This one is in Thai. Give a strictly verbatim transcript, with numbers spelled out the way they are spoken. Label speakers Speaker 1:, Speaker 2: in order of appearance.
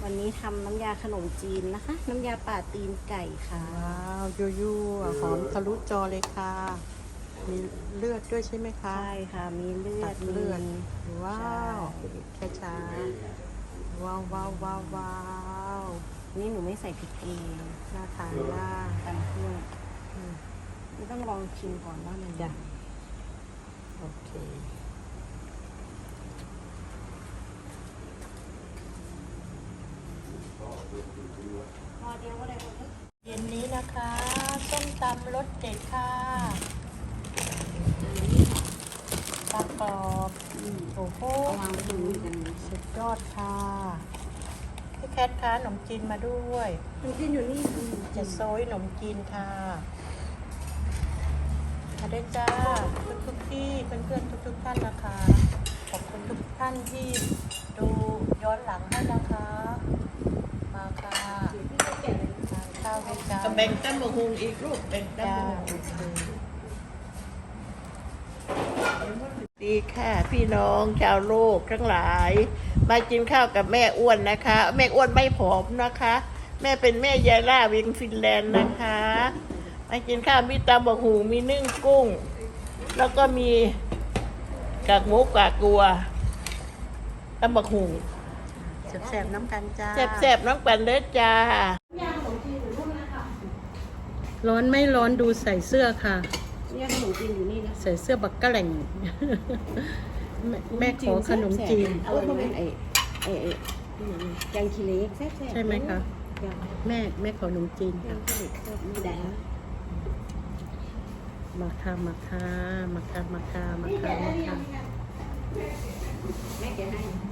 Speaker 1: วันนี้ทำน้ำยาขนมจีนนะคะ น้ำยาป่าตีนไก่ค่ะ
Speaker 2: ว้าวยูยูหอมทะลุจอเลยค่ะ มีเลือดด้วยใช่ไหมคะ
Speaker 1: ใช่ค่ะ มีเลือ
Speaker 2: ตั
Speaker 1: ด
Speaker 2: ดเลือด
Speaker 1: มี
Speaker 2: ว้าวแค่ช้าว้าวว้าวว้าวว้าว
Speaker 1: นี่หนูไม่ใส่พริกเอง
Speaker 2: น่าทานมาก
Speaker 1: ตำเครื่อง
Speaker 2: อืม
Speaker 1: นี่ต้องลองชิมก่อนว่ามัน
Speaker 2: จ้ะ โอเค
Speaker 1: พอเดียวก็ได้หมด
Speaker 2: เย็นนี้นะคะส้มตำรสเด็ดค่ะปลากรอบโอ้โห
Speaker 1: เอาวางไว้ตรงนี้กัน
Speaker 2: สุดยอดค่ะพี่แคทคะขนมจีนมาด้วย
Speaker 1: มันกินอยู่นี่
Speaker 2: จะโซยขนมจีนค่ะมาได้จ้าทุกทุกๆที่เพื่อนๆทุกทุกๆท่านนะคะ ขอบคุณทุกท่านที่ดูย้อนหลังให้นะคะ มาค่ะทานข้าวด้วยจ้า
Speaker 3: แบ่งตั้มบะฮุงอีกลูกแบ่งตั้ม
Speaker 2: จ้า
Speaker 3: บะฮุง
Speaker 2: โอเค
Speaker 3: ดีค่ะ พี่น้องชาวโลกทั้งหลาย มากินข้าวกับแม่อ้วนนะคะ แม่อ้วนไม่ผอมนะคะ แม่เป็นแม่ยายล่าเวียงฟินแลนด์นะคะมากินข้าวมีตำบะฮุงมีนึ่งกุ้ง แล้วก็มีกากหมูกากกัวตำบะฮุง
Speaker 2: แซ่บๆน้ำกันจ้า
Speaker 3: แซ่บๆน้องปันเด้อจ้า
Speaker 2: ร้อนไม่ร้อนดูใส่เสื้อค่ะ
Speaker 1: เนี่ยขนมจีนอยู่นี่นะ
Speaker 2: ใส่เสื้อบักกะแหล่ง แม่แม่ขอขนมจีน
Speaker 1: เอาไว้ไอ้ไอ้ไอ้แกงขี้เหล็กแซ่บๆ
Speaker 2: ใช่ไหมคะ
Speaker 1: ยัง
Speaker 2: แม่แม่ขอขนมจีน
Speaker 1: แก
Speaker 2: ค่ะ
Speaker 1: งขี้เหล็กแซ่บไม่ได้
Speaker 2: มาค่ะมาค่ะมาค่ะมาค่ะมาค่ะมาค่ะ
Speaker 1: แม่แกให้